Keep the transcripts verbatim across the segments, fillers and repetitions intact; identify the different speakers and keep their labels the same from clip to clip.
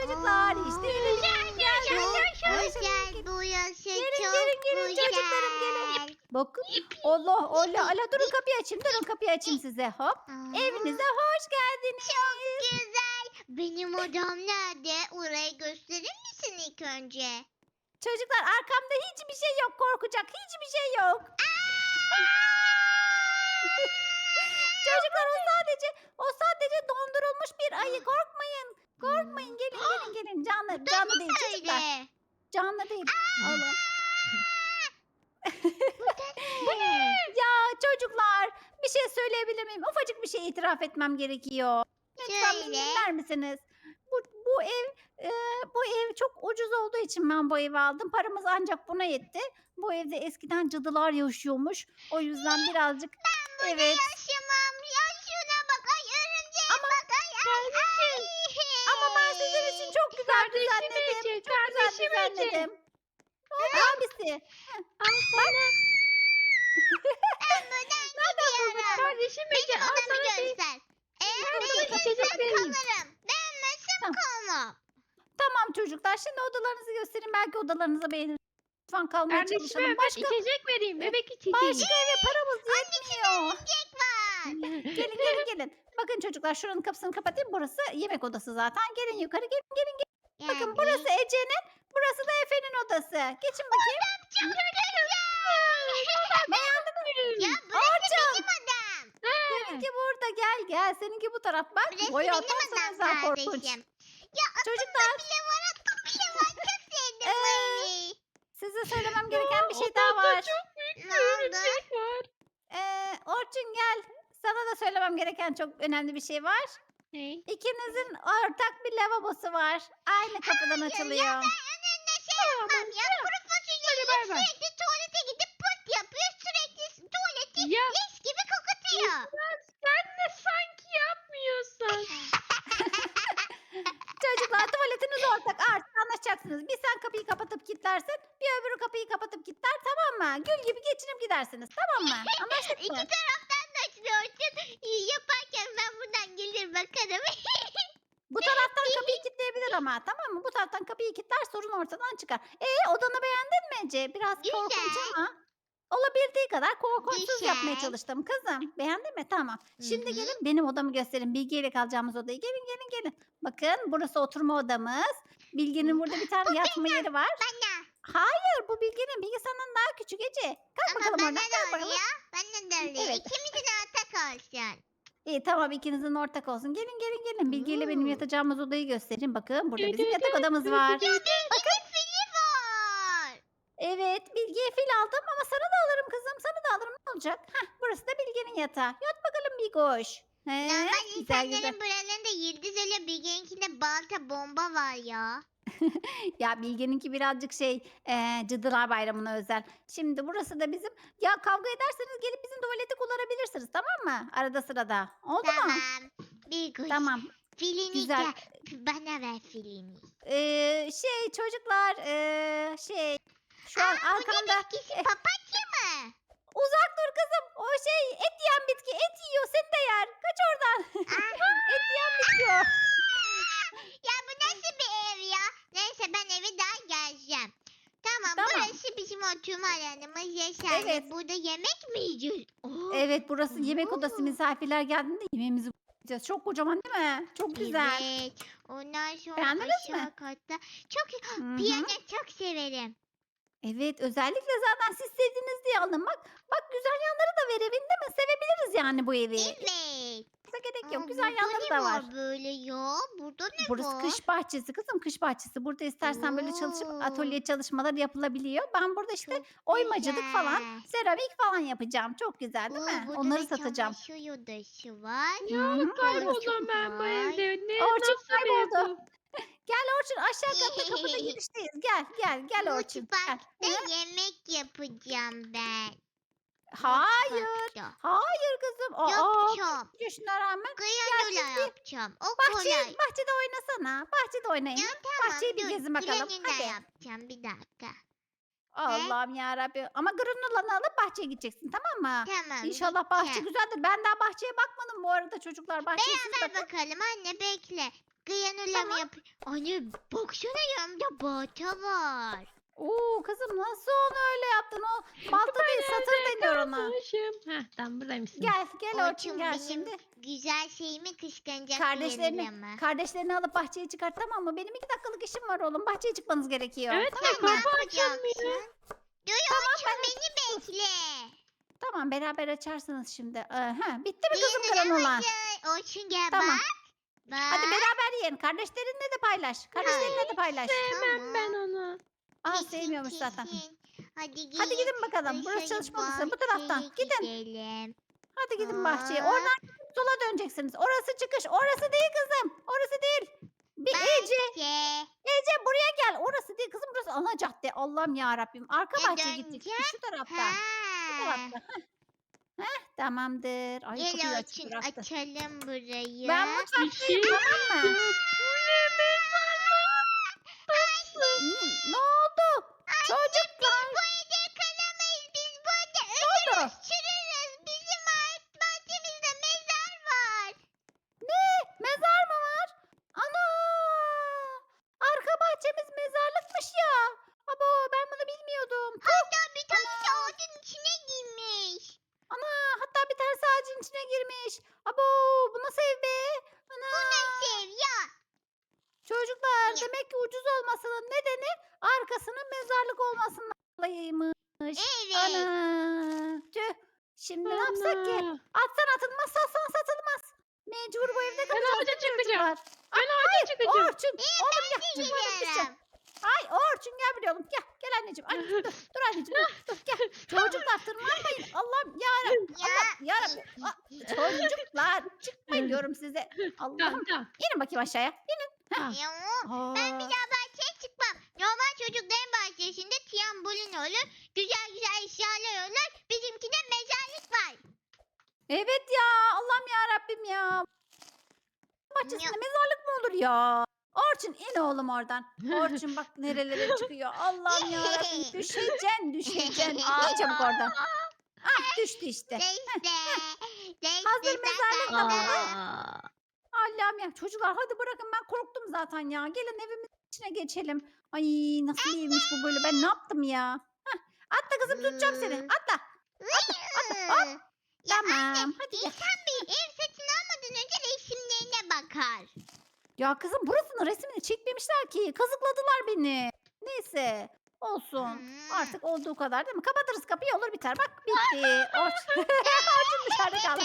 Speaker 1: çocuklar. İşte gelin. Geldim.
Speaker 2: Çok
Speaker 1: Ay,
Speaker 2: güzel burası.
Speaker 1: Gelin
Speaker 2: Çok
Speaker 1: gelin gelin çocuklarım gelin.
Speaker 2: güzel.
Speaker 1: Bakın. Allah Allah. Ala durun kapıyı açayım. Durun kapıyı açayım size. Hop.
Speaker 2: Aa,
Speaker 1: Evinize hoş geldiniz.
Speaker 2: güzel. Benim odam nerede? Orayı gösterir misin ilk önce?
Speaker 1: Çocuklar arkamda hiçbir şey yok korkacak. Hiçbir şey yok. Çocuklar o sadece o sadece dondurulmuş bir ayı. Korkmayın. Korkmayın. Gelin gelin gelin. Canlı canlı değil çocuklar.
Speaker 2: Öyle.
Speaker 1: Canlı değil. Allah.
Speaker 2: Bu ne?
Speaker 1: Ya çocuklar bir şey söyleyebilir miyim? Ufacık bir şey itiraf etmem gerekiyor. Lütfen beni
Speaker 2: Söyle.
Speaker 1: dinler misiniz? Bu, bu ev e, bu ev çok ucuz olduğu için ben bu evi aldım. Paramız ancak buna yetti. Bu evde eskiden cadılar yaşıyormuş. O yüzden birazcık evet.
Speaker 2: Yaşamam. Ya şuna bak. Ay örümceğe bak. Ay ay ay.
Speaker 1: Ama ben sizin için çok güzel
Speaker 3: Kardeşim
Speaker 1: düzenledim.
Speaker 3: Ece,
Speaker 1: Çok güzel
Speaker 3: kardeşim Ece.
Speaker 1: düzenledim. Ne oldu abisi?
Speaker 3: Al sana.
Speaker 2: Ben buradan gidiyorum.
Speaker 3: Kardeşim Ece
Speaker 2: Benim
Speaker 3: al
Speaker 2: odamı
Speaker 3: sana bir.
Speaker 2: göster. Eğer
Speaker 3: Ben sana
Speaker 2: beğenirsen
Speaker 3: içecek vereyim.
Speaker 2: kalırım. Beğenmezsem
Speaker 1: Tamam.
Speaker 2: kalmam.
Speaker 1: Tamam çocuklar şimdi odalarınızı göstereyim. Belki odalarınızı beğenirsiniz. Lütfen kalmaya
Speaker 3: Kardeşime
Speaker 1: çalışalım.
Speaker 3: evet
Speaker 1: Başka,
Speaker 3: içecek vereyim. Bebek içeceği.
Speaker 1: başka eve paramız yetmiyor.
Speaker 2: Tek var.
Speaker 1: Gelin gelin gelin. Bakın çocuklar şuranın kapısını kapatayım. Burası yemek odası zaten. Gelin yukarı gelin gelin. gelin. Bakın
Speaker 2: Yani.
Speaker 1: burası Ece'nin. Burası da Efe'nin odası. Geçin bakayım.
Speaker 2: Çok güzel.
Speaker 1: Beğendiniz mi?
Speaker 2: Ya burası
Speaker 1: Orçun.
Speaker 2: benim odam.
Speaker 1: Seninki burada gel gel. Seninki bu taraf. Bak
Speaker 2: Burası
Speaker 1: boya
Speaker 2: benim
Speaker 1: atarsan
Speaker 2: odam
Speaker 1: özel korkunç.
Speaker 2: kardeşim. Ya
Speaker 1: Çocuklar
Speaker 2: aklımda bile var aklım bile var. Çok sevdim bu
Speaker 1: Ee,
Speaker 2: evi.
Speaker 1: size söylemem gereken bir şey daha
Speaker 3: Odamda
Speaker 1: var.
Speaker 3: çok büyük
Speaker 2: Ne
Speaker 3: bir
Speaker 2: oldu?
Speaker 3: örümcek var.
Speaker 1: Ee, Orçun gel. Sana da söylemem gereken çok önemli bir şey var.
Speaker 3: Ne?
Speaker 1: İkinizin ortak bir lavabosu var. Aynı kapıdan açılıyor.
Speaker 2: Önünde şey yapmam ya. Kuru fasulye
Speaker 3: Hadi
Speaker 2: yiyip
Speaker 3: bay bay.
Speaker 2: sürekli tuvalete gidip pırt yapıyor. Sürekli tuvaleti
Speaker 3: Ya
Speaker 2: leş gibi kokutuyor.
Speaker 3: sen de sanki yapmıyorsun.
Speaker 1: Çocuklar tuvaletiniz ortak artık anlaşacaksınız. Bir sen kapıyı kapatıp kilitlersin. Bir öbürü kapıyı kapatıp kilitler tamam mı? Gül gibi geçinip gidersiniz tamam mı? Anlaştık
Speaker 2: İki
Speaker 1: mı?
Speaker 2: taraftan da açılıyorsun. Yaparken ben buradan gelir bakarım.
Speaker 1: Bu taraftan kapıyı kilitleyebilir ama tamam mı? Bu taraftan kapıyı kilitler sorun ortadan çıkar. E odanı beğendin mi Ece? Biraz
Speaker 2: Güzel.
Speaker 1: korkunç ama olabildiği kadar korkunçsuz yapmaya
Speaker 2: Güzel.
Speaker 1: çalıştım kızım. Beğendin mi? Tamam. Şimdi
Speaker 2: Hı hı.
Speaker 1: gelin benim odamı gösterin. Bilge ile kalacağımız odayı. Gelin gelin gelin. Bakın burası oturma odamız. Bilge'nin burada bir tane yatma yeri var.
Speaker 2: Bana.
Speaker 1: Hayır bu Bilge'nin. Bilge senden daha küçük Ece. Kalk
Speaker 2: Ama
Speaker 1: bakalım
Speaker 2: bana
Speaker 1: oradan.
Speaker 2: da
Speaker 1: Kalk bakalım.
Speaker 2: oluyor. Bana da oluyor.
Speaker 1: Evet.
Speaker 2: İkimizin ortak olsun.
Speaker 1: İyi tamam ikinizin ortak olsun. Gelin gelin gelin. Bilge ile benim
Speaker 2: Oo.
Speaker 1: yatacağımız odayı göstereyim. Bakın burada bizim yatak odamız var.
Speaker 2: Bakın. Fili var.
Speaker 1: Evet Bilge'ye fil aldım ama sana da alırım kızım. Sana da alırım ne olacak? Heh, burası da Bilge'nin yatağı. Yat bakalım Bilgoş. He,
Speaker 2: Normal
Speaker 1: güzel
Speaker 2: insanların
Speaker 1: güzel.
Speaker 2: buralarında yıldız ile Bilge'ninkinde balta bomba var ya.
Speaker 1: Ya Bilge'ninki birazcık şey e, Cadılar Bayramı'na özel. Şimdi burası da bizim. Ya kavga ederseniz gelip bizim tuvaleti kullanabilirsiniz tamam mı? Arada sırada. Oldu mu?
Speaker 2: Tamam. Bir kuş.
Speaker 1: Tamam.
Speaker 2: Filini
Speaker 1: Güzel.
Speaker 2: gel. Bana ver filini.
Speaker 1: Ee, şey çocuklar ee, şey şu an
Speaker 2: Aa, bu
Speaker 1: arkamda
Speaker 2: ne bitkisi? Papatya mı?
Speaker 1: uzak dur kızım. O şey et yiyen bitki. Et yiyor seni de yer. Kaç oradan.
Speaker 2: Ah.
Speaker 1: Et yiyen bitki o.
Speaker 2: Ya bu nasıl bir ev ya? Neyse ben eve daha geleceğim. Tamam,
Speaker 1: Tamam.
Speaker 2: burası bizim oturma alanımız Yaşar.
Speaker 1: Evet.
Speaker 2: Burada yemek mi yiyeceğiz? Oo,
Speaker 1: Evet burası yemek odası.
Speaker 2: Oo.
Speaker 1: Misafirler geldiğinde yemeğimizi yiyeceğiz. Çok kocaman değil mi? Çok güzel.
Speaker 2: Evet. Ondan sonra
Speaker 1: Beğendiniz
Speaker 2: aşağı
Speaker 1: mi?
Speaker 2: katta. Çok
Speaker 1: Hı hı.
Speaker 2: piyano çok severim.
Speaker 1: Evet özellikle zaten siz sevdiniz diye aldım. Bak bak güzel yanları da var evin değil mi? Sevebiliriz yani bu evi.
Speaker 2: Evet.
Speaker 1: Bize gerek
Speaker 2: Aa,
Speaker 1: yok. Güzel
Speaker 2: burada
Speaker 1: yanları
Speaker 2: ne
Speaker 1: da var.
Speaker 2: var böyle ya? Burada ne
Speaker 1: Burası
Speaker 2: var?
Speaker 1: kış bahçesi kızım kış bahçesi. Burada istersen böyle çalışıp
Speaker 2: Oo.
Speaker 1: atölye çalışmaları yapılabiliyor. Ben burada işte
Speaker 2: Çok
Speaker 1: oymacılık falan,
Speaker 2: güzel.
Speaker 1: seramik falan yapacağım. Çok güzel değil
Speaker 2: Oo,
Speaker 1: mi?
Speaker 2: burada
Speaker 1: Onları
Speaker 2: da
Speaker 1: satacağım.
Speaker 2: çamaşır odası var.
Speaker 1: Hı hı, burası çok-
Speaker 3: Kayboldum ben bu
Speaker 2: Vay.
Speaker 3: evde. Ne
Speaker 1: Orçun
Speaker 3: nasıl bir ev
Speaker 1: kayboldu.
Speaker 3: bu?
Speaker 1: Gel Orçun aşağı katta kapıda girişteyiz. Gel gel gel Orçun. Gel.
Speaker 2: Mutfakta yemek yapacağım ben.
Speaker 1: Hayır.
Speaker 2: Mutfakta.
Speaker 1: Hayır kızım. Aa,
Speaker 2: Yapacağım.
Speaker 1: kaç yaşına rağmen
Speaker 2: Granola
Speaker 1: siz bir
Speaker 2: yapacağım. O
Speaker 1: bahçe,
Speaker 2: kolay.
Speaker 1: bahçede oynasana. Bahçede oynayın.
Speaker 2: Ya tamam
Speaker 1: bahçeyi bir
Speaker 2: dur.
Speaker 1: gezin bakalım,
Speaker 2: Granola
Speaker 1: hadi.
Speaker 2: yapacağım bir dakika.
Speaker 1: Allah'ım yarabbim. Ama granolanı alıp bahçeye gideceksin tamam mı?
Speaker 2: Tamam.
Speaker 1: İnşallah bahçe
Speaker 2: gideceğim.
Speaker 1: güzeldir. Ben daha bahçeye bakmadım bu arada çocuklar. Bahçeye siz
Speaker 2: Beraber
Speaker 1: bakın.
Speaker 2: bakalım anne bekle. Granula mı
Speaker 1: Tamam.
Speaker 2: yap? Anne baksana yanımda balta var.
Speaker 1: Oo kızım nasıl onu öyle yaptın? O balta değil satır deniyor ona.
Speaker 3: Kalmışım. Heh tamam buradaymışsın.
Speaker 1: Gel gel Orçun
Speaker 2: Orçun
Speaker 1: gel
Speaker 2: benim
Speaker 1: şimdi.
Speaker 2: güzel şeyimi kıskanacak
Speaker 1: Kardeşlerini,
Speaker 2: Granula'mı.
Speaker 1: kardeşlerini alıp bahçeye çıkart tamam mı? Benim iki dakikalık işim var oğlum. Bahçeye çıkmanız gerekiyor.
Speaker 3: Evet
Speaker 1: tamam
Speaker 3: ya
Speaker 1: mı?
Speaker 2: Ne
Speaker 3: kapı açılmıyor.
Speaker 2: yapacaksın? Dur Orçun beni bekle.
Speaker 1: Tamam beraber açarsınız şimdi. Ee, ha, bitti mi kızım
Speaker 2: Granula
Speaker 1: granola?
Speaker 2: hazır. Orçun gel
Speaker 1: Tamam.
Speaker 2: bak. Bak.
Speaker 1: Hadi beraber yiyin. Kardeşlerinle de paylaş. Kardeşlerinle de paylaş.
Speaker 3: Sevmem ben onu.
Speaker 1: Aa
Speaker 2: Kesin,
Speaker 1: sevmiyormuş zaten.
Speaker 2: kesin. Hadi gidin.
Speaker 1: Hadi gidin bakalım. Burası
Speaker 2: Dışarı
Speaker 1: çalışma odası. Bu taraftan.
Speaker 2: bahçeye
Speaker 1: Gidin.
Speaker 2: gidelim.
Speaker 1: Hadi gidin bahçeye.
Speaker 2: Aa.
Speaker 1: Oradan sola döneceksiniz. Orası çıkış. Orası değil kızım. Orası değil. Bir Ece.
Speaker 2: Bahçe.
Speaker 1: Ece buraya gel. Orası değil kızım. Burası ana cadde. Allah'ım ya Rabbim. Arka
Speaker 2: E,
Speaker 1: bahçeye gideceksin.
Speaker 2: döneceğim.
Speaker 1: Şu tarafta.
Speaker 2: Ha.
Speaker 1: Şu tarafta. Heh. Heh, tamamdır. Ay kapıyı
Speaker 2: Gel
Speaker 1: açık
Speaker 2: Orçun
Speaker 1: bıraktı.
Speaker 2: açalım burayı.
Speaker 1: Ben
Speaker 3: Bir
Speaker 1: mutfaktayım
Speaker 3: şey
Speaker 1: tamam mı?
Speaker 3: yok. Bu ne
Speaker 1: Ne, ne oldu? Çocuklar.
Speaker 2: Bu evde kalamayız. Biz burada
Speaker 1: Ne oldu?
Speaker 2: ölürüz, çürürüz. Bizim ait bahçemizde mezar var.
Speaker 1: Ne? Mezar mı var? Ana! Arka bahçemiz mezarlıkmış ya. Abo ben bunu bilmiyordum.
Speaker 2: Hatta bir tanesi ağacın içine girmiş.
Speaker 1: Ana hatta bir tanesi ağacın içine girmiş. Abo bu nasıl ev be? Ana.
Speaker 2: Sev ya.
Speaker 1: Çocuklar
Speaker 2: Ya.
Speaker 1: demek ki ucuz olmasının nedeni arkasının mezarlık olmasından dolayıymış.
Speaker 2: Evet.
Speaker 1: Ana. Tüh. Şimdi ne yapsak ki?
Speaker 3: Ana.
Speaker 1: Atsan atılmaz, satsan satılmaz. Mecbur bu evde
Speaker 3: Ben
Speaker 1: kalacağız.
Speaker 3: ağaca
Speaker 1: değil mi
Speaker 3: çıkacağım.
Speaker 1: çocuklar?
Speaker 3: Ben ağaca çıkacağım.
Speaker 1: Orçun. Oğlum gel. Düşmanım düşeceğim.
Speaker 2: Gidiyorum.
Speaker 1: Ay Orçun gel buraya oğlum. Gel. Gel anneciğim. Anneciğim dur. Dur anneciğim dur. Dur gel. Çocuklar tırmanmayın. Allah'ım yarabbim.
Speaker 2: Ya.
Speaker 1: Allah yarabbim. Aa, Çocuklar çıkmayın diyorum size.
Speaker 3: Tamam
Speaker 1: Allah'ım.
Speaker 3: tamam.
Speaker 1: İnin bakayım aşağıya. İnin.
Speaker 3: tamam.
Speaker 2: Ya, ben bir
Speaker 1: Aa.
Speaker 2: daha bahçeye çıkmam. Normal çocukların bahçesinde trambolin olur. Güzel güzel eşyalar olur. Bizimkinde mezarlık var.
Speaker 1: Evet ya. Allah'ım yarabbim ya. Bahçesinde mezarlık mı olur ya? Orçun in oğlum oradan. Orçun bak nerelere çıkıyor. Allah'ım yarabbim düşeceksin düşeceksin. İn çabuk oradan. Ah düştü işte.
Speaker 2: Neyse. Neyse.
Speaker 1: Hazır mezarlık da burada.
Speaker 3: Aa.
Speaker 1: Allah'ım ya çocuklar hadi bırakın ben korktum zaten ya. Gelin evimizin içine geçelim. Ay nasıl bir evmiş bu böyle ben ne yaptım ya. Hah, atla kızım tutacağım seni atla.
Speaker 2: Hop. Ya
Speaker 1: Tamam
Speaker 2: anne,
Speaker 1: hadi gel.
Speaker 2: insan bir ev satın almadan önce resimlerine bakar.
Speaker 1: Ya kızım burasının resmini çekmemişler ki. Kazıkladılar beni. Neyse olsun.
Speaker 2: Hmm.
Speaker 1: Artık olduğu kadar değil mi? Kapatırız kapıyı olur biter. Bak bitti. Orçun, Orçun dışarıda kaldı.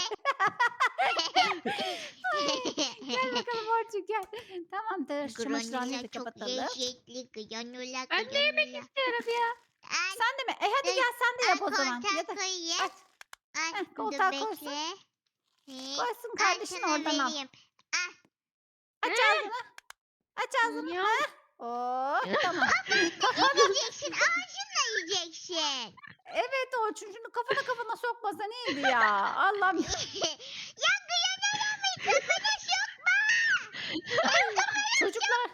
Speaker 1: Gel bakalım Orçun gel. Tamamdır. Şu çamaşırhaneyi
Speaker 2: Granula
Speaker 1: de
Speaker 2: çok
Speaker 1: kapatalım.
Speaker 2: lezzetli. Granula,
Speaker 3: Ben de yemek
Speaker 2: granula.
Speaker 3: istiyorum ya.
Speaker 2: Ay,
Speaker 1: Sen de mi? E hadi
Speaker 2: Ay,
Speaker 1: gel sen de
Speaker 2: ay,
Speaker 1: yap o zaman.
Speaker 2: koltuğa
Speaker 1: Ya da
Speaker 2: koyayım.
Speaker 1: aç,
Speaker 2: Ay,
Speaker 1: Heh,
Speaker 2: dur
Speaker 1: koltuğa
Speaker 2: bekle.
Speaker 1: koysun.
Speaker 2: He,
Speaker 1: koysun
Speaker 2: ay,
Speaker 1: kardeşin
Speaker 2: sana
Speaker 1: oradan al.
Speaker 2: vereyim. Ah,
Speaker 1: Aç ağzını. Aç ağzını.
Speaker 3: Ya.
Speaker 1: Oh tamam.
Speaker 2: yiyeceksin. Ağzınla yiyeceksin.
Speaker 1: Evet Orçun şunu kafana kafana sokmasa neydi ya? Allah'ım.
Speaker 2: Ya granula mı? Kafana sokma.
Speaker 1: Çocuklar.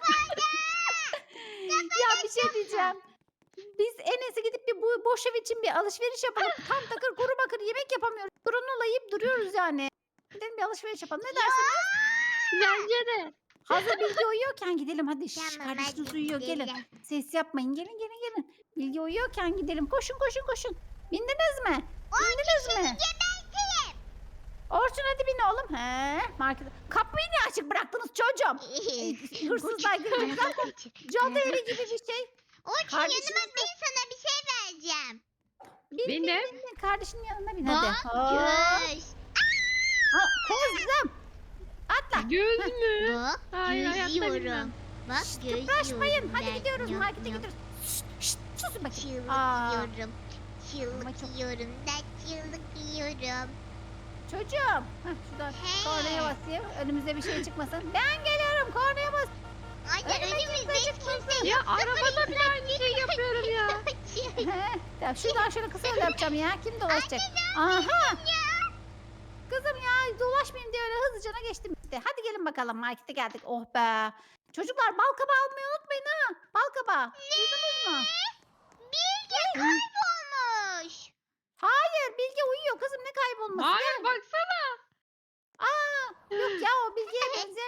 Speaker 1: ya bir şey diyeceğim. Biz en iyisi gidip bir bu boş ev için bir alışveriş yapalım. Tam takır kuru bakır yemek yapamıyoruz. Granola yiyip duruyoruz yani. Gidelim bir alışveriş yapalım. Ne dersiniz?
Speaker 3: Bence de.
Speaker 1: Hazır Bilge uyuyorken gidelim hadi. Şş,
Speaker 2: Tamam,
Speaker 1: kardeşiniz
Speaker 2: hadi
Speaker 1: uyuyor gelin.
Speaker 2: gidelim.
Speaker 1: Ses yapmayın gelin gelin gelin. Bilge uyuyorken gidelim. Koşun koşun koşun. Bindiniz mi? Bindiniz mi?
Speaker 2: Geberteyim.
Speaker 1: Orçun hadi bin oğlum. He, market. Kapıyı niye açık bıraktınız çocuğum? Hırsızlar girdi. Zaten cadı evi gibi bir şey.
Speaker 2: Orçun
Speaker 1: Kardeşiniz
Speaker 2: yanıma bin, sana bir şey vereceğim.
Speaker 1: Bin bin
Speaker 3: Bindim.
Speaker 1: bin, bin. Kardeşinin yanına bin hadi.
Speaker 2: Bak
Speaker 1: Hop.
Speaker 2: göz.
Speaker 1: Ha, kızım. Atla.
Speaker 3: Göz mü?
Speaker 2: Bak
Speaker 3: Hayır, hayatta
Speaker 2: gözüyorum.
Speaker 3: bilmem.
Speaker 2: Bak
Speaker 1: Şşt,
Speaker 2: gözüyorum.
Speaker 1: kıpraşmayın. Hadi
Speaker 2: ben.
Speaker 1: gidiyoruz
Speaker 2: Yok,
Speaker 1: markete
Speaker 2: yok.
Speaker 1: gidiyoruz. Şşt, şşt, susun bakayım.
Speaker 2: Çığlık
Speaker 1: Aa.
Speaker 2: yiyorum.
Speaker 1: Ama
Speaker 2: Çığlık
Speaker 1: çok-
Speaker 2: yiyorum. Ben çığlık yiyorum.
Speaker 1: Çocuğum. Heh, şuradan
Speaker 2: He.
Speaker 1: kornaya basayım. Önümüze bir şey çıkmasın. Ben geliyorum kornaya bas.
Speaker 2: Anne
Speaker 1: Önüme
Speaker 2: önümüzde
Speaker 1: kimse
Speaker 2: hiç
Speaker 1: çıkmasın.
Speaker 2: kimse
Speaker 3: Ya
Speaker 2: yok.
Speaker 3: arabada bile aynı şey yapıyorum ya.
Speaker 1: He, ya şuradan şöyle kısa yol yapacağım ya. Kim dolaşacak? Aha. Kızım ya dolaşmayayım diye öyle hızlıcana geçtim işte. Hadi gelin bakalım markete geldik. Oh be. Çocuklar bal kabağı almayı unutmayın ha. Bal kabağı. Duydunuz mu?
Speaker 2: Bilge kaybolmuş.
Speaker 1: Hayır Bilge uyuyor kızım ne kaybolması.
Speaker 3: Hayır baksana.
Speaker 1: Aa, yok ya o Bilge'ye benzeyen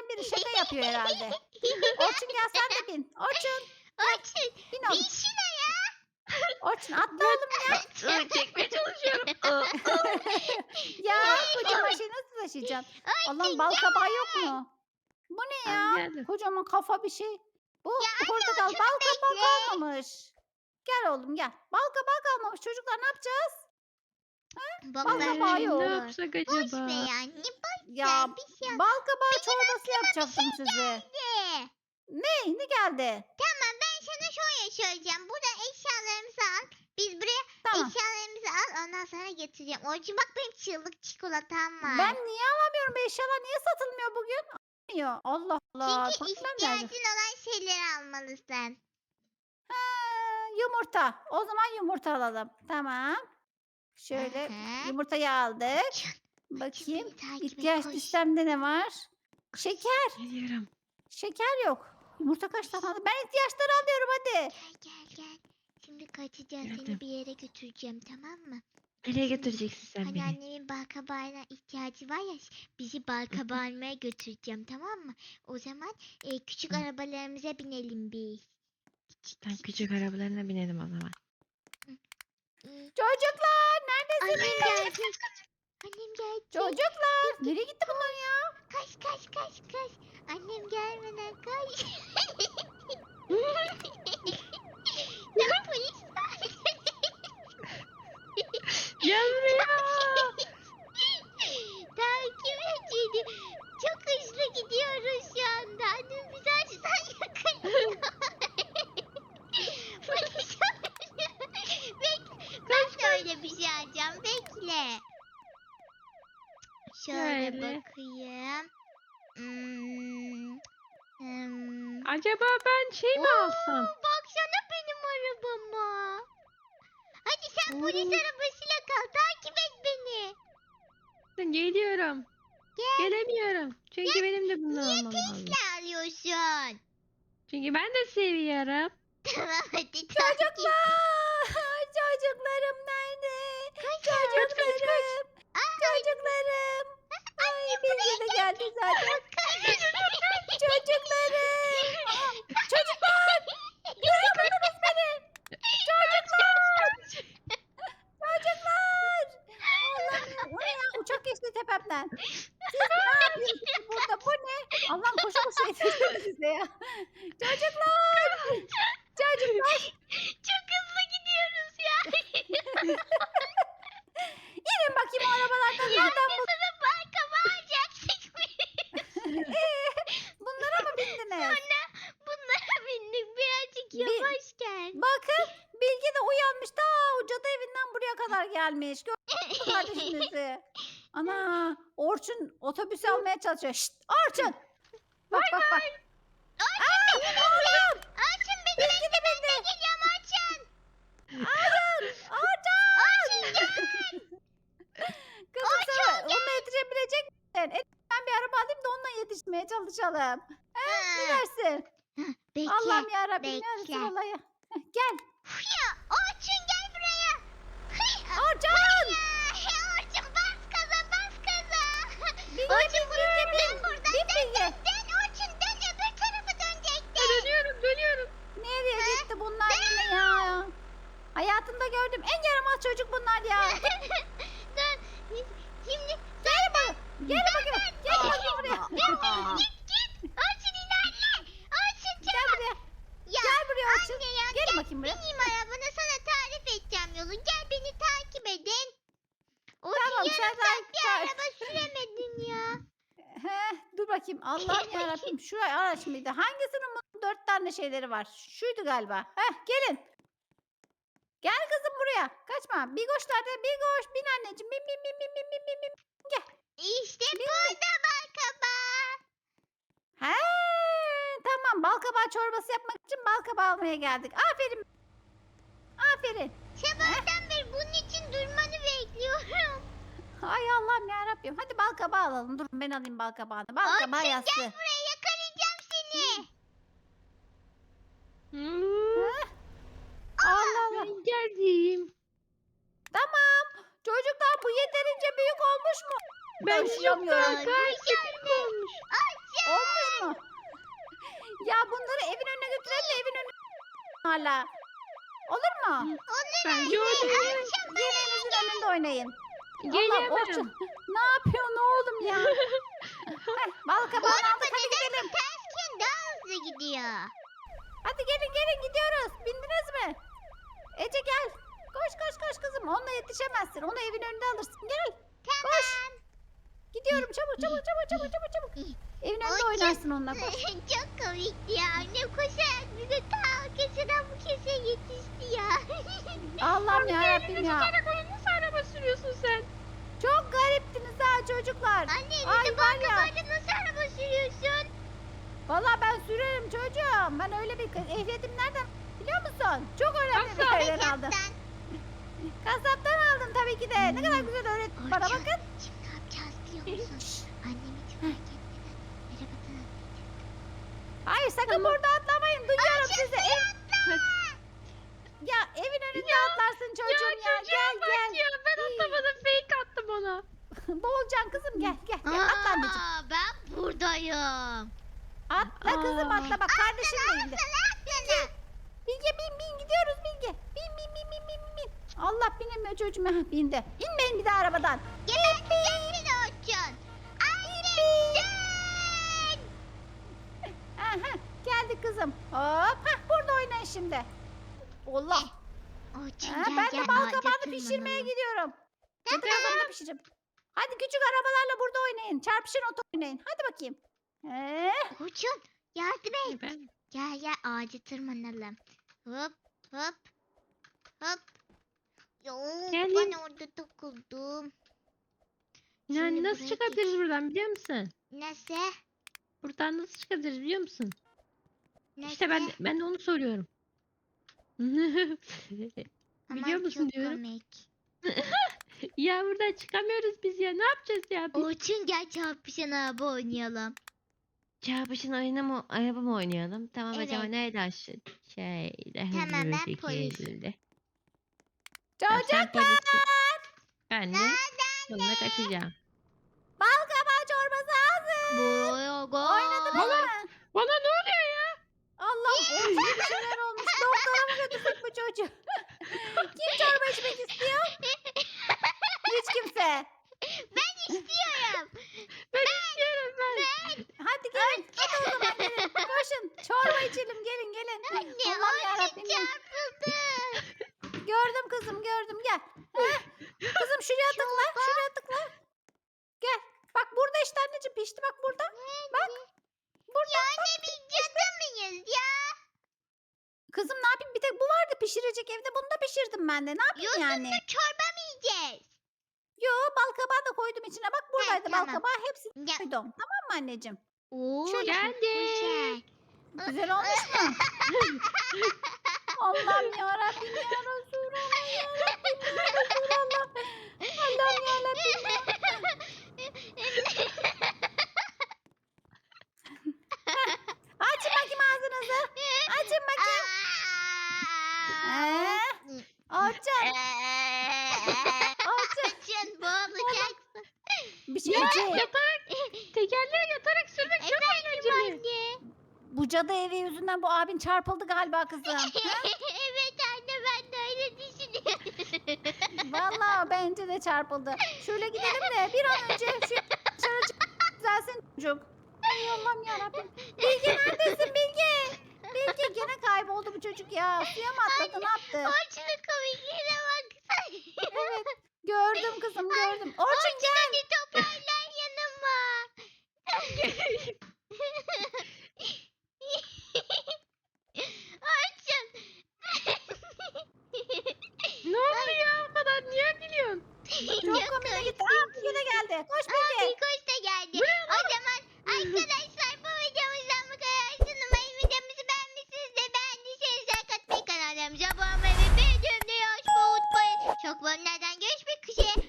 Speaker 1: biri şaka yapıyor herhalde. Orçun gel sen de bin. Orçun
Speaker 2: Orçun
Speaker 1: bin
Speaker 2: bin
Speaker 1: oğlum.
Speaker 2: şuna
Speaker 1: Orçun atla oğlum ya.
Speaker 3: Aa, çekmeye çalışıyorum. Aa,
Speaker 1: Ya kocaman şey nasıl taşıyacaksın? Allah'ım bal kabağı yok mu? Bu ne
Speaker 3: tamam,
Speaker 1: ya?
Speaker 3: geldim.
Speaker 1: Kocaman kafa bir şey. Bu
Speaker 2: Ya
Speaker 1: portakal
Speaker 2: Orçun
Speaker 1: bal kabağı
Speaker 2: bekle.
Speaker 1: kalmamış. Gel oğlum gel. Bal kabağı kalmamış. Çocuklar ne yapacağız?
Speaker 2: Bak
Speaker 1: Bal
Speaker 2: ben
Speaker 1: kabağı
Speaker 3: Ee,
Speaker 1: yok.
Speaker 3: ne
Speaker 2: biliyorum.
Speaker 3: yapsak
Speaker 2: Boş be
Speaker 3: acaba?
Speaker 2: ya. Ne boş
Speaker 1: Ya
Speaker 2: ver bir şey
Speaker 1: bal kabağı çorbası yapacaktım size.
Speaker 2: de.
Speaker 1: Ne? Ne geldi?
Speaker 2: Tamam ben sana şöyle söyleyeceğim. Burada eşyalarımızı al. Biz buraya
Speaker 1: Tamam.
Speaker 2: eşyalarımızı al. Ondan sonra getireceğim. Orçun bak benim çığlık çikolatam var.
Speaker 1: Ben niye alamıyorum? Bu eşyalar niye satılmıyor bugün? Almıyor. Allah Allah.
Speaker 2: Çünkü
Speaker 1: Problem nerede?
Speaker 2: ihtiyacın olan şeyleri almalısın.
Speaker 1: Ha, yumurta. O zaman yumurta alalım. Tamam. Şöyle
Speaker 2: Aha.
Speaker 1: yumurtayı aldık.
Speaker 2: Orçun
Speaker 1: Bakayım.
Speaker 2: beni takip et,
Speaker 1: İhtiyaç
Speaker 2: koş.
Speaker 1: listemde ne var? Şeker.
Speaker 3: Geliyorum.
Speaker 1: Şeker yok. Yumurta kaç tane aldı? Ben ihtiyaçları alıyorum hadi.
Speaker 2: Gel gel gel. Şimdi kaçacağız. Seni
Speaker 3: Geldim.
Speaker 2: bir yere götüreceğim tamam mı?
Speaker 3: Nereye götüreceksin sen
Speaker 2: Hani
Speaker 3: beni?
Speaker 2: annemin balkabağına ihtiyacı var ya bizi balkabağı almaya götüreceğim tamam mı? O zaman e, küçük
Speaker 3: Hı.
Speaker 2: arabalarımıza binelim biz.
Speaker 3: Sen küçük arabalarına binelim o zaman.
Speaker 2: Hmm,
Speaker 1: Çocuklar neredesiniz?
Speaker 2: Annem geldi. Annem geldi.
Speaker 1: Çocuklar. Nereye gitti bunlar ya?
Speaker 2: Kaç kaç kaç kaç. Annem gelmeden kaç. Ya polis var.
Speaker 3: Gel buraya.
Speaker 2: Takip et beni. Çok hızlı gidiyoruz şu anda. Annem bizi açsan yakalıyor. Polis arıyor. Bekle. Ben de öyle bir şey alacağım. Bekle. Şöyle
Speaker 3: Şöyle.
Speaker 2: bakayım. Hmm. Hmm.
Speaker 3: Acaba ben şey mi
Speaker 2: Oo,
Speaker 3: alsam?
Speaker 2: baksana benim arabama. Hadi sen polis
Speaker 3: Oo.
Speaker 2: arabasıyla kal. Takip et beni.
Speaker 3: Geliyorum.
Speaker 2: Gel.
Speaker 3: Gelemiyorum. Çünkü benim de bundan
Speaker 2: Niye
Speaker 3: almam lazım.
Speaker 2: Tesla alıyorsun?
Speaker 3: Çünkü ben de seviyorum.
Speaker 2: Tamam hadi takip.
Speaker 1: Çocuklar. Çocuklarım nerede? Çocuklarım. Çocuklarım. Ay Bilge de geldi zaten. Çocuklarım. Aa, çocuklar. Duyuyor musunuz beni? Çocuklar. Çocuklar. Allah'ım ya. O ne ya? Uçak geçti tepemden. Siz ne yapıyorsunuz burada? Bu ne? Allah'ım koşu koşu yetiştim size ya. Çocuklar. Çocuklar.
Speaker 2: Çok hızlı gidiyoruz ya.
Speaker 1: İnin bakayım o arabalardan. Nereden bu?
Speaker 2: Sana balkama alacaktık.
Speaker 1: Bunlara mı bindiniz?
Speaker 2: Sonra bunlara bindik. Birazcık
Speaker 1: Bin-
Speaker 2: yavaş gel.
Speaker 1: Bakın Bilge de uyanmış. Ta o cadı evinden buraya kadar gelmiş. Gördünüz mü kardeşinizi? Ana Orçun otobüs almaya çalışıyor. Şşt Orçun. Bak bak bak. Aa, oğlum.
Speaker 2: Açın beni.
Speaker 1: Bilge de bindi.
Speaker 2: Gideceğim açın.
Speaker 1: Hayır. Orçun.
Speaker 2: Açın gel.
Speaker 1: Kızım sen onunla yetişebilecek misin? E, ben bir araba alayım da onunla yetişmeye çalışalım.
Speaker 2: Ha,
Speaker 1: Ne dersin?
Speaker 2: Bekle.
Speaker 1: Allah'ım yarabbim
Speaker 2: bekle.
Speaker 1: neredesin olayı? Heh, gel.
Speaker 2: Ya Orçun gel buraya. Hıy,
Speaker 1: Orçun.
Speaker 2: ya, Orçun bas gaza bas gaza.
Speaker 1: Bilge
Speaker 2: Orçun
Speaker 1: bin Bilge
Speaker 2: buradan
Speaker 1: bin.
Speaker 2: buradan
Speaker 1: Bin Bilge.
Speaker 2: dön Orçun dön öbür tarafı dönecektin.
Speaker 3: Dönüyorum dönüyorum.
Speaker 1: Nereye gitti bunlar yine ya? Hayatımda gördüm en yaramaz çocuk bunlar ya.
Speaker 2: Dön. Şimdi
Speaker 1: Gel bakayım. Gel bakayım. Gel bakayım buraya.
Speaker 2: git git. Orçun ilerle. Orçun
Speaker 1: Gel
Speaker 2: çabuk.
Speaker 1: buraya.
Speaker 2: Ya
Speaker 1: Gel buraya Orçun.
Speaker 2: anne ya
Speaker 1: Gel
Speaker 2: gel.
Speaker 1: bakayım buraya.
Speaker 2: Bineyim arabana sana tarif edeceğim yolu. Gel beni takip edin. Orçun
Speaker 1: Tamam,
Speaker 2: yarım
Speaker 1: sen
Speaker 2: saat bir
Speaker 1: sen-
Speaker 2: araba süremedin ya.
Speaker 1: Heh, dur bakayım. Allah'ım yarabbim. Şu araç mıydı? Hangisinin bunun dört tane şeyleri var? Şuydu galiba. Heh, gelin. Gel kızım buraya. Kaçma. Bigoş nerede? Bigoş. Bin anneciğim. Bin bin bin bin bin bin bin bin.
Speaker 2: İşte burada balkaba.
Speaker 1: He, tamam. Balkabağı çorbası yapmak için balkabağı almaya geldik. Aferin. Aferin.
Speaker 2: Sabahtan beri bunun için durmanı bekliyorum.
Speaker 1: Ay Allah'ım yarabbim. Hadi balkabağı alalım. Durun ben alayım balkabağını. Balkabağı
Speaker 2: Orçun
Speaker 1: yassı.
Speaker 2: gel buraya yakalayacağım seni.
Speaker 3: Hmm,
Speaker 1: Heh. Allah Allah.
Speaker 3: ben geldim.
Speaker 1: Tamam. Çocuklar bu yeterince büyük olmuş mu?
Speaker 3: Ben çok daha
Speaker 1: Taşıyamıyorum.
Speaker 3: gayet büyük olmuş.
Speaker 1: Olmuş hala. Olur mu?
Speaker 3: Bence oynayalım.
Speaker 1: Yemeğinizin önünde oynayın. Allah'ım
Speaker 3: Gelemem.
Speaker 1: Orçun. Ne yapıyorsun oğlum ya? Heh, bal kabağını aldık hadi gidelim.
Speaker 2: Tersken daha hızlı gidiyor.
Speaker 1: Hadi gelin gelin gidiyoruz. Bindiniz mi? Ece gel. Koş koş koş kızım. Onunla yetişemezsin. Onu evin önünde alırsın. Gel. Koş. Gidiyorum çabuk çabuk çabuk çabuk çabuk çabuk. Evin önünde
Speaker 2: Orçun.
Speaker 1: oynarsın onunla koş.
Speaker 2: Çok komikti ya. Annem koşarak bize ta keseden bu keseye yetişti ya.
Speaker 1: Allah'ım yarabbim
Speaker 3: Elini
Speaker 1: ya.
Speaker 3: tutarak onu nasıl araba sürüyorsun sen?
Speaker 1: Çok gariptiniz ha çocuklar.
Speaker 2: Anne
Speaker 1: Ay
Speaker 2: elinde
Speaker 1: var
Speaker 2: bal
Speaker 1: ya.
Speaker 2: kabağıyla nasıl araba sürüyorsun?
Speaker 1: Valla ben sürerim çocuğum. Ben öyle bir ehliyetim nereden biliyor musun? Çok önemli bir
Speaker 3: Nasıl?
Speaker 1: yerden aldım.
Speaker 2: Kaptan.
Speaker 1: Kasaptan aldım tabii ki de. Ne kadar güzel öğretti bana
Speaker 2: Orçun,
Speaker 1: bakın.
Speaker 2: şimdi ne yapacağız biliyor musun? Annem hiç fark etmeden arabadan
Speaker 1: Hayır sakın burada atlamayın. Duyuyorum sizi. Ev- Ya evin önünde atlarsın çocuğum ya.
Speaker 3: çocuğa
Speaker 1: Gel
Speaker 3: bak
Speaker 1: gel.
Speaker 3: ya. Ben atlamadım. Fake attım ona.
Speaker 1: Boğulacaksın kızım gel gel. gel. Atla anneciğim.
Speaker 2: Aa, ben buradayım.
Speaker 1: Atla kızım
Speaker 3: Aa.
Speaker 1: atla. Bak kardeşin de indi.
Speaker 2: Atsana.
Speaker 1: Bilge bin bin gidiyoruz Bilge. Bin bin bin bin bin bin. Allah binemiyor çocuğum. Heh, bindi. İnmeyin bir daha arabadan.
Speaker 2: Geberteceğim seni Orçun. Annemsin.
Speaker 1: Aha, geldik kızım. Hop. Heh, burada oynayın şimdi. Allah.
Speaker 2: Orçun
Speaker 1: Ha,
Speaker 2: gel
Speaker 1: ben
Speaker 2: gel.
Speaker 1: de bal
Speaker 2: ağaca
Speaker 1: kabağını pişirmeye
Speaker 2: tırmanalım.
Speaker 1: gidiyorum. Cadı kazanını pişireceğim. Hadi küçük arabalarla burada oynayın. Çarpışın oto oynayın. Hadi bakayım. Ee,
Speaker 2: Orçun yardım et.
Speaker 3: Ben
Speaker 2: Gel gel ağaca tırmanalım. Hop hop hop. Yo,
Speaker 3: Geldim.
Speaker 2: ben orada takıldım.
Speaker 3: yani
Speaker 2: Şimdi
Speaker 3: nasıl
Speaker 2: buraya
Speaker 3: çıkabiliriz buradan biliyor musun?
Speaker 2: Nasıl?
Speaker 3: Buradan nasıl çıkabiliriz biliyor musun?
Speaker 2: Nasıl?
Speaker 3: İşte ben de, ben de onu soruyorum.
Speaker 2: Aman,
Speaker 3: biliyor musun
Speaker 2: çok
Speaker 3: diyorum.
Speaker 2: komik.
Speaker 3: Ya buradan çıkamıyoruz biz ya. Ne yapacağız ya biz?
Speaker 2: Orçun gel çarpışan araba oynayalım.
Speaker 3: Çarpışın oyunu mu, araba mı oynayalım? Tamam acaba
Speaker 2: Evet.
Speaker 3: nerede aşağı? Şeyde hızlı
Speaker 2: Tamam,
Speaker 3: bir
Speaker 2: ben polis.
Speaker 3: şekilde. Tamam,
Speaker 1: çocuk
Speaker 3: sen polissin. Ben de sonuna kaçacağım.
Speaker 1: bal kabağı çorbası hazır.
Speaker 2: Buraya gel.
Speaker 1: Oynadınız mı?
Speaker 3: Bana ne oluyor ya?
Speaker 1: Allah'ım Orçun'a bir şeyler olmuş. Doktora mı götürsek bu çocuğu? Kim çorba içmek istiyor? Hiç kimse.
Speaker 2: Ben istiyorum.
Speaker 3: Ben istiyorum ben.
Speaker 1: Hadi gelin. Hadi o zaman gelin. Koşun. Çorba içelim. Gelin gelin.
Speaker 2: Anne
Speaker 1: Allah'ım
Speaker 2: Orçun
Speaker 1: yarabbim ya.
Speaker 2: çarpıldı.
Speaker 1: Gördüm kızım gördüm gel. Heh. Kızım şuraya tıkla. Şuraya tıkla. Gel. Bak burada işte anneciğim pişti bak burada. Bak. Burada.
Speaker 2: Ya
Speaker 1: bak.
Speaker 2: anne biz cadı mıyız ya?
Speaker 1: Kızım ne yapayım bir tek bu vardı pişirecek evde bunu da pişirdim ben de. Ne yapayım yani?
Speaker 2: Yosunlu çorba mı yiyeceğiz?
Speaker 1: Yo bal kabağı da koydum içine. Bak buradaydı bal
Speaker 2: tamam.
Speaker 1: kabağı hepsini
Speaker 2: Ya.
Speaker 1: koydum. Tamam mı anneciğim?
Speaker 2: Oo,
Speaker 1: Şöyle.
Speaker 2: çok güzel.
Speaker 1: Güzel olmuş mu? Allah'ım yarabbim ya Resulallah yarabbim ya Resulallah. Allah'ım yarabbim ya. Açın bakayım ağzınızı. Açın bakayım. Ee, Orçun. Orçun.
Speaker 2: Orçun boğulacaksın.
Speaker 1: Bir şey
Speaker 3: Ya,
Speaker 1: Ece,
Speaker 3: yatarak, tekerleğe yatarak sürmek çok eğlenceli.
Speaker 2: Anne.
Speaker 1: bu cadı evi yüzünden bu abin çarpıldı galiba kızım. Ha?
Speaker 2: Evet anne ben de öyle düşünüyorum.
Speaker 1: Vallahi bence de çarpıldı. Şöyle gidelim de bir an önce şu dışarı çık düzelsin çocuk. Ay Allah'ım yarabbim. Bilge neredesin Bilge? Bilge gene kayboldu bu çocuk ya. Suya mı atladı ne yaptı?
Speaker 2: Orçun'un komikliğine baksana.
Speaker 1: Evet gördüm kızım gördüm. Orçun
Speaker 2: Orçun hadi toparlan yanıma. Orçun.
Speaker 3: Ne oldu ya o kadar? Niye gülüyorsun?
Speaker 1: çok komik gitti. Aa Bilge de geldi. Koş
Speaker 2: Aa,
Speaker 1: Bilge.
Speaker 2: Bilkoş da geldi. O zaman arkadaşlar bu videomuzdan bu kadar. Umarım videomuzu beğenmişsinizdir. Beğendiyseniz like atmayı, kanallarımıza abone olmayı ve bildirimleri açmayı unutmayın. Çok bölümlerden görüşmek üzere.